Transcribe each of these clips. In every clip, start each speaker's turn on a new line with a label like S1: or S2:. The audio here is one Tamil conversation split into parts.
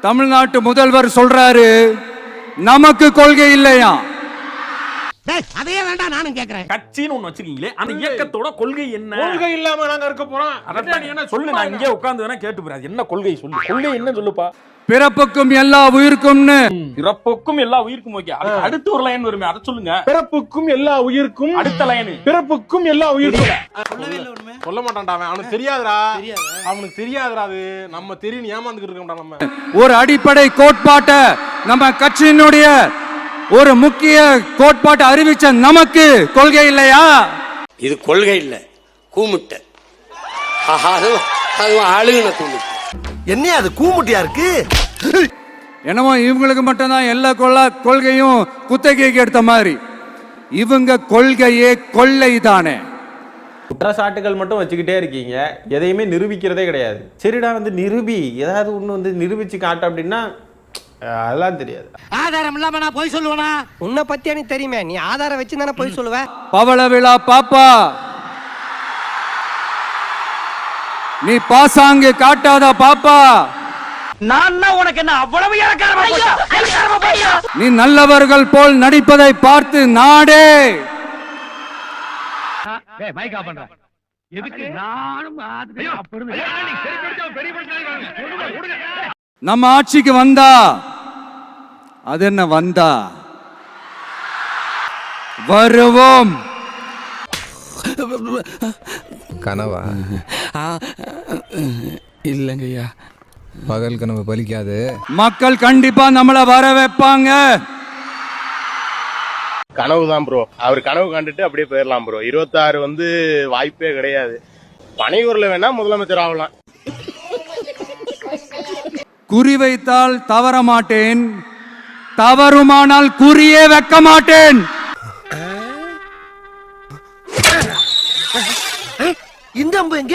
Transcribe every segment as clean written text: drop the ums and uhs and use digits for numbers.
S1: தமிழ்நாட்டு முதல்வர் சொல்றாரு நமக்கு கொள்கை இல்லையா?
S2: அதையே வேண்டாம் நானும் கேக்குறேன்.
S3: கட்சின்னு ஒண்ணு வச்சிருக்கீங்களே, அந்த இயக்கத்தோட கொள்கை என்ன?
S4: கொள்கை இல்லாம நாங்க இருக்க போறோம்.
S3: அதான் என்ன சொல்லு, நான் இங்கே உட்கார்ந்து வேணா கேட்டு போறேன். என்ன கொள்கை சொல்லு, கொள்கை என்ன சொல்லுப்பா.
S1: பிறப்புக்கும் எல்லா உயிருக்கும்னு.
S3: பிறப்புக்கும் எல்லா உயிருக்கும் ஓகே. அடுத்து ஒரு லைன் வருமே, அதை சொல்லுங்க.
S4: பிறப்புக்கும் எல்லா உயிருக்கும்.
S3: அடுத்த லைன்
S4: பிறப்புக்கும் எல்லா உயிருக்கும்.
S5: சொல்ல மாட்டான்டா அவன். அவனுக்கு தெரியாதுடா. அவனுக்கு தெரியாதுடா. அது நம்ம தெரியும் ஏமாந்துக்கிட்டு இருக்கோம்டா நம்ம.
S1: ஒரு அடிப்படை கோட்பாட்டை நம்ம கட்சியினுடைய ஒரு முக்கிய கோட்பாட்டை அறிவிச்ச நமக்கு கொள்கை இல்லையா?
S2: இது கொள்கை இல்ல, கூமுட்டை. ஆளுகின கூமுட்டை. என்ன அது கூமுட்டியா இருக்கு?
S1: என்னமோ இவங்களுக்கு மட்டும்தான் எல்லா கொள்கையும் குத்தகைக்கு எடுத்த மாதிரி. இவங்க கொள்கையே கொள்ளை தானே.
S6: குற்றச்சாட்டுகள் மட்டும் வச்சுக்கிட்டே இருக்கீங்க, எதையுமே நிரூபிக்கிறதே கிடையாது. சரிடா நிரூபி, ஏதாவது ஒண்ணு நிரூபிச்சு காட்டு அப்படின்னா அதெல்லாம் தெரியாது.
S2: ஆதாரம் இல்லாம நான் போய் சொல்லுவேனா? உன்னை பத்தி எனக்கு தெரியுமே, நீ ஆதாரம் வச்சு தானே போய் சொல்லுவ.
S1: பவள விழா பாப்பா, நீ பாசாங்கு காட்டாத பாப்பா.
S3: நான் உனக்கு என்ன அவ்வளவு இறக்காரமா?
S1: நீ நல்லவர்கள் போல் நடிப்பதை பார்த்து நாடே நம்ம ஆட்சிக்கு வந்தா அது என்ன வந்தா வருவோம்.
S7: கனவா?
S8: இல்லங்கய்யா,
S7: பகல் கனவு பலிக்காது.
S1: மக்கள் கண்டிப்பா நம்மள வர வைப்பாங்க.
S5: கனவு தான் ப்ரோ. அவர் கனவு கண்டுட்டு அப்படியே போயிடலாம் ப்ரோ. 26 வாய்ப்பே கிடையாது. பனையூர்ல வேணா முதலமைச்சர் ஆகலாம்.
S1: குறி வைத்தால் தவற மாட்டேன், தவறுமானால் குறியே வைக்க மாட்டேன்.
S2: இந்த அம்பு எங்க?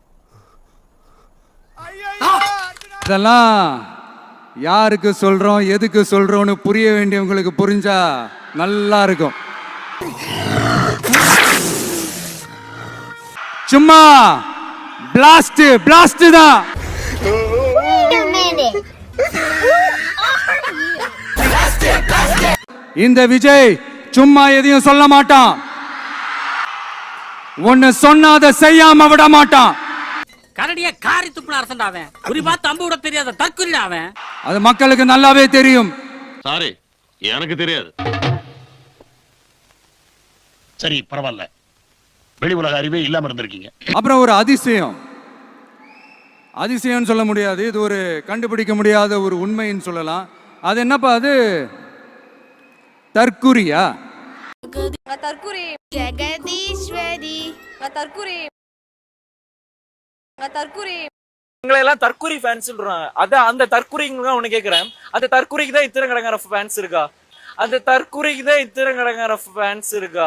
S1: இதெல்லாம் யாருக்கு சொல்றோம், எதுக்கு சொல்றோம்னு புரிய வேண்டியவங்களுக்கு புரிஞ்சா நல்லா இருக்கும். சும்மா பிளாஸ்ட் பிளாஸ்ட் தான். இந்த விஜய் சும்மா எதையும் சொல்ல மாட்டான். ஒன்னு சொன்னாத செய்யாம விட மாட்டான்.
S9: கரடிய காரி துப்புன அரசன் அவன். குறி பார்த்து அம்பு விட தெரியாத தற்குறி அவன்.
S1: அது மக்களுக்கு நல்லாவே தெரியும்.
S10: சாரி, எனக்கு தெரியாது. சரி பரவாயில்ல, வெளி உலக அறிவே இல்லாம இருந்திருக்கீங்க.
S1: அப்புறம் ஒரு அதிசயம், அதிசயம் சொல்ல முடியாது, இது ஒரு கண்டுபிடிக்க முடியாத ஒரு உண்மைன்னு சொல்லலாம். அது என்னப்பா? அது தற்குறியா?
S11: தற்குறி ஜெகதீஸ்வரி தற்குறி தற்குறி
S12: உங்களை எல்லாம் தற்குறி ஃபேன்ஸ் சொல்றாங்க. அத அந்த தற்குறிங்க ஒண்ணு கேக்குறேன். அந்த தற்குறிக்கு தான் இத்தனை கடங்கார ஃபேன்ஸ் இருக்கா? அந்த தற்குறிக்கு தான் இத்தனை கடங்கார ஃபேன்ஸ் இருக்கா?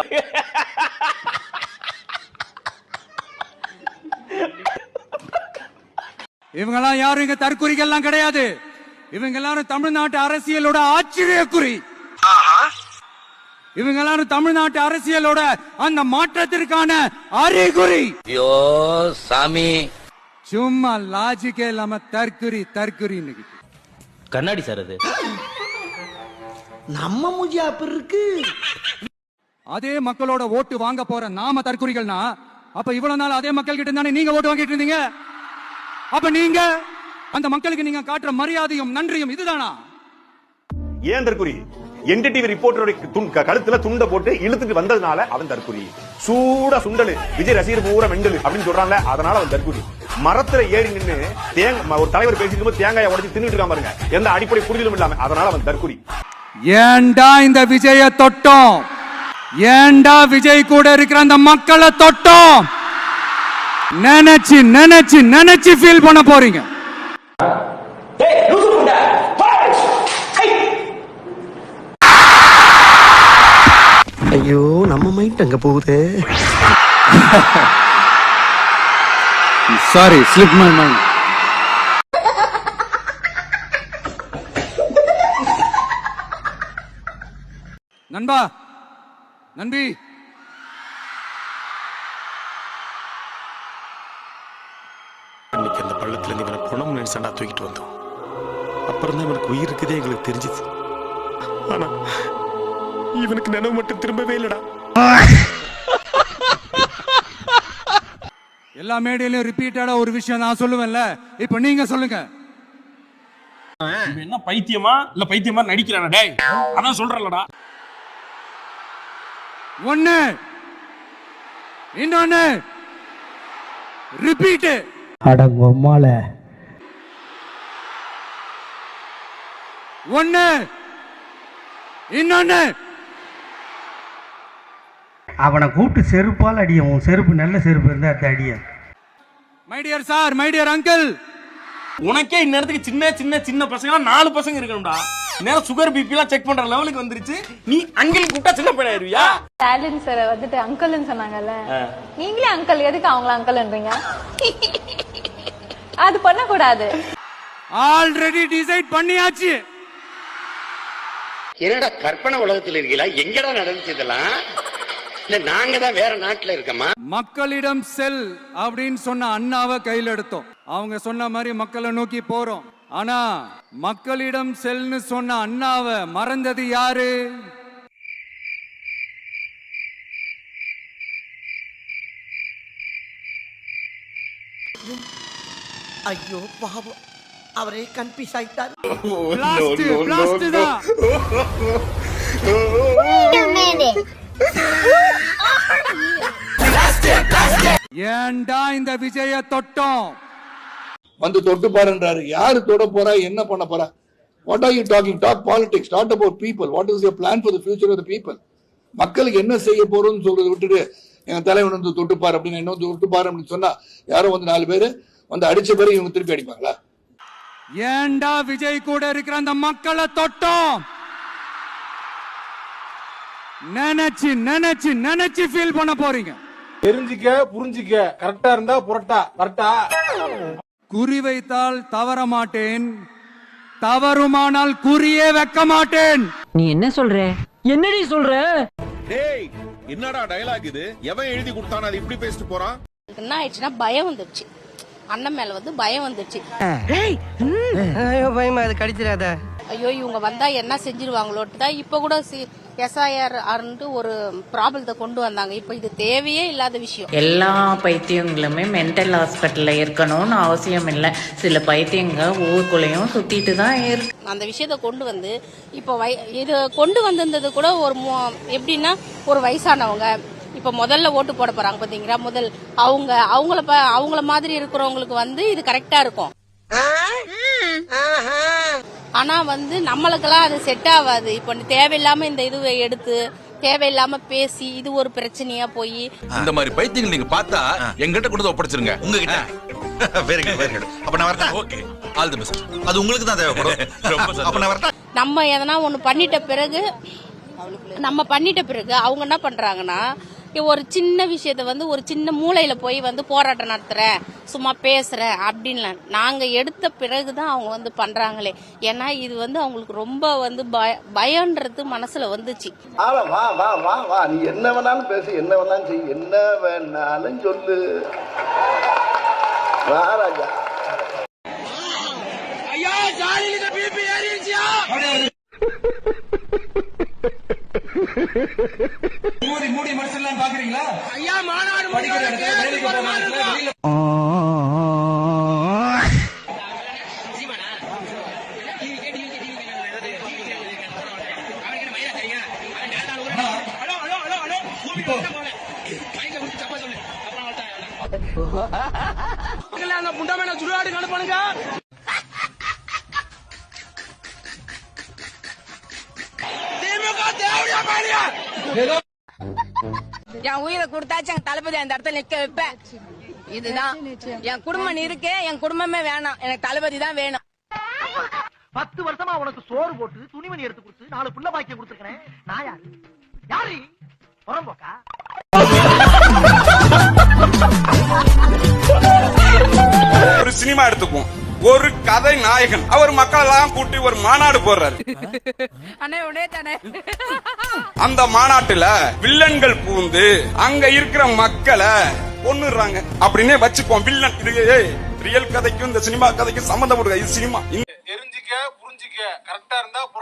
S1: இவங்கெல்லாம் யாரும் இங்க தற்குறிகள்லாம் கிடையாது. இவங்க எல்லாரும் தமிழ்நாட்டு அரசியலோட ஆச்சரியக்குறி. இவங்க எல்லாரும் தமிழ்நாட்டு அரசியலோட அந்த மாற்றத்திற்கான அறிகுறி.
S2: ஐயோ சாமி,
S1: சும்மா லாஜிக்கே இல்லாம தற்குறி தற்குறி.
S6: கண்ணாடி சார், அது
S2: நம்ம மூஞ்சியா அப்படி இருக்கு.
S1: அதே மக்களோட ஓட்டு வாங்க போற நாம தற்குறிகள்னா, அப்ப இவ்வளவு நாள் அதே மக்கள் கிட்ட தானே நீங்க ஓட்டு வாங்கிட்டு இருந்தீங்க. அப்ப நீங்க அந்த மக்களுக்கு நீங்க காட்டுற மரியாதையும் நன்றியும் இதுதானா?
S5: ஏன் தற்குறி? என்டிடிவி ரிப்போர்ட்டரோட கழுத்துல துண்ட போட்டு இழுத்துட்டு வந்ததுனால அவன் தற்குறி. சூடா சுண்டலு விஜய் ரசிகர் பூரா மெண்டலு அப்படின்னு சொல்றாங்க, அதனால அவன் தற்குறி. மரத்துல ஏறி நின்று ஒரு தலைவர் பேசிட்டு போது தேங்காயை உடைச்சு தின்னுட்டு இருக்கான் பாருங்க, எந்த அடிப்படை புரிதலும் இல்லாம, அதனால அவன் தற்குறி.
S1: ஏண்டா இந்த விஜய தொட்டோம்? ஏண்டா விஜய் கூட இருக்கிற அந்த மக்களை தொட்டோம்? நினைச்சு நினைச்சு நினைச்சு ஃபீல் பண்ண போறீங்க.
S2: ஐயோ நம்ம மைண்ட் அங்க போகுது.
S1: Sorry, slip my mind. நண்பா, நண்பி,
S10: இன்னைக்கு அந்த பள்ளத்துல இருந்து இவனை குணம் நினைச்சாண்டா தூக்கிட்டு வந்தோம். அப்புறம் தான் இவனுக்கு உயிர் இருக்குதே எங்களுக்கு தெரிஞ்சுது. ஆனா இவனுக்கு நினைவு மட்டும் திரும்பவே இல்லடா.
S1: எல்லா மேடையிலும் ரிப்பீட்டடா ஒரு விஷயம் நான் சொல்லுவேன்ல, இப்ப நீங்க சொல்லுங்க.
S3: என்ன பைத்தியமா இல்ல பைத்தியமா நடிக்கிறானா டேய்? அதான் சொல்றலடா.
S1: ஒண்ணு இன்னொன்னு ரிப்பீட்.
S2: அடங்கொம்மால
S1: ஒண்ணு இன்னொன்னு.
S2: அவனை கூப்பிட்டு செருப்பால் அடியும். உன் செருப்பு நல்ல செருப்பு இருந்தா அந்த அடிய.
S1: My dear sir, my dear uncle,
S3: உனக்கே இந்நேரத்துக்கு சின்ன சின்ன சின்ன பசங்க 4 பசங்க இருக்கணும்டா. நேரம் சுகர் பிபி எல்லாம் செக் பண்ற லெவலுக்கு வந்துருச்சு. நீ அங்கிள் கூப்பிட்டா சின்ன பையன் ஆயிருவியா?
S11: ஸ்டாலின் சார் வந்துட்டு அங்கிள்னு சொன்னாங்கல்ல, நீங்களே அங்கிள், எதுக்கு அவங்கள அங்கிள்ன்றீங்க? அது பண்ண கூடாது.
S1: ஆல்ரெடி டிசைட் பண்ணியாச்சு.
S10: என்னடா கற்பனை உலகத்துல இருக்கீங்களா? எங்கடா நடந்துச்சு இதெல்லாம்? இல்ல நாங்க தான் வேற நாட்டுல இருக்கோமா?
S1: மக்களிடம் செல் அப்படின்னு சொன்ன அண்ணாவை கையில் எடுத்தோம். அவங்க சொன்ன மாதிரி மக்களை நோக்கி போறோம். ஆனா மக்களிடம் செல்னு சொன்ன அண்ணாவை மறந்தது யாரு?
S2: ஐயோ பாவம், அவரே கன்ஃபியூஸ் ஆயிட்டார்.
S1: பிளாஸ்ட் தான். ஏன்டா இந்த விஜய தொட்டோம்?
S4: வந்து தொட்டு பாருன்றாரு. யாரு தொட போறா? என்ன பண்ண போறா? What are you talking? Talk politics, talk about people. What is your plan for the future of the people? மக்களுக்கு என்ன செய்ய போறோம்னு சொல்றதை விட்டுட்டு எங்க தலைவன் வந்து தொட்டுப்பாரு அப்படின்னு என்ன தொட்டுப்பாரு அப்படின்னு சொன்னா யாரும் வந்து 4 பேரு வந்து அடிச்ச பிறகு இவங்க திருப்பி அடிப்பாங்களா?
S1: ஏன்டா விஜய் கூட இருக்கிற அந்த மக்களை தொட்டோம்? நினைச்சு நினைச்சு நினைச்சு ஃபீல் பண்ண போறீங்க.
S4: தெரிஞ்சிக்க, புரிஞ்சிக்க. கரெக்டா இருந்தா புரட்டா. கரெக்டா?
S1: குறி வைத்தால் தவற மாட்டேன், தவறுமானால் குறியே வைக்க மாட்டேன்.
S9: நீ என்ன சொல்ற? என்னடி சொல்ற?
S10: டேய் என்னடா டயலாக் இது? எவன் எழுதி கொடுத்தானே அது இப்படி பேசிட்டு போறான்?
S11: என்ன ஆயிடுச்சுன்னா பயம் வந்துருச்சு, அண்ணன் மேல வந்து பயம் வந்துருச்சு.
S2: ஐயோ பயமா, அது கடிச்சிடாத.
S11: ஐயோ இவங்க வந்தா என்ன செஞ்சிருவாங்களோட்டு தான் இப்ப கூட SIR ஒரு ப்ராப்ளத்தை கொண்டு வந்தாங்க. இப்ப இது தேவையே இல்லாத விஷயம்.
S9: எல்லா பைத்தியங்களுமே மென்டல் ஹாஸ்பிட்டல்ல இருக்கணும்னு அவசியம் இல்லை. சில பைத்தியங்க ஊருக்குள்ளேயும் சுத்திட்டு தான் இருக்கு.
S11: அந்த விஷயத்த கொண்டு வந்து இப்ப இது கொண்டு வந்திருந்தது கூட ஒரு எப்படின்னா ஒரு வயசானவங்க இப்ப முதல்ல ஓட்டு போட போறாங்க பாத்தீங்களா, முதல் அவங்கள மாதிரி இருக்கிறவங்களுக்கு வந்து இது கரெக்டா இருக்கும். ஆனா வந்து நம்மளுக்கெல்லாம் அது செட் ஆகாது. இப்ப தேவையில்லாம இந்த இதுவை எடுத்து தேவையில்லாம பேசி இது ஒரு பிரச்சனையா போய்
S10: இந்த மாதிரி பைத்தியங்கள் நீங்க பார்த்தா எங்கிட்ட கொண்டு வந்து ஒப்படைச்சிருங்க. உங்ககிட்ட வெரி குட் வெரி குட். அப்ப நான் வரட்டா? Okay, all the best. அது உங்களுக்கு தான் தேவைப்படும். ரொம்ப சந்தோஷம். அப்ப நான் வரட்டா?
S11: நம்ம எதனா ஒண்ணு பண்ணிட்ட பிறகு அவங்க என்ன பண்றாங்கன்னா ஒரு சின்ன விஷயத்த வந்து ஒரு சின்ன மூலையில போய் வந்து போராட்டம் நடத்துறேன், சும்மா பேசுறேன் அப்படின்னு நாங்க எடுத்த பிறகுதான் அவங்க வந்து பண்றாங்களே. ஏன்னா இது வந்து அவங்களுக்கு ரொம்ப வந்து பயம்ன்றது மனசுல வந்துச்சு.
S10: வா வா வா வா, நீ என்ன வேணாலும் பேசு, என்ன வேணாலும் செய், என்ன வேணாலும் சொல்லு. வா ராஜா. ஐயா ஜாலியில பிபி ஏறிடுச்சியா?
S1: மூடி மனசெல்லாம் பாக்குறீங்களா?
S10: ஐயா மாநாடு
S12: புண்டமான சுடுகாடு கணப்பானுங்க.
S11: என் உயிரை கொடுத்தாச்சு என் தளபதி அந்த இடத்துல நிக்க வைப்பேன். இதுதான் என் குடும்பம் இருக்கு, என் குடும்பமே வேணாம், எனக்கு தளபதி தான் வேணும்.
S2: 10 வருஷமா உனக்கு சோறு போட்டு துணிமணி எடுத்து கொடுத்து 4 புள்ள பாக்கியம் கொடுத்துருக்கேன். நான் யாரு? யாரு? புறம்போக்கா?
S5: ஒரு சினிமா எடுத்துக்குவோம். ஒரு கதை நாயகன் அவர் மக்கள் எல்லாம் கூட்டி ஒரு மாநாடு போடுறாரு. அந்த மாநாட்டுல வில்லன்கள் பூந்து அங்க இருக்கிற மக்களை கொன்னுறாங்க அப்படின்னே வச்சுப்போம். வில்லன் இது ரியல் கதைக்கும் இந்த சினிமா கதைக்கும் சம்பந்தம். இது சினிமா.
S4: தெரிஞ்சிக்க,
S8: புரிஞ்சுக்க, கரெக்டா இருந்தா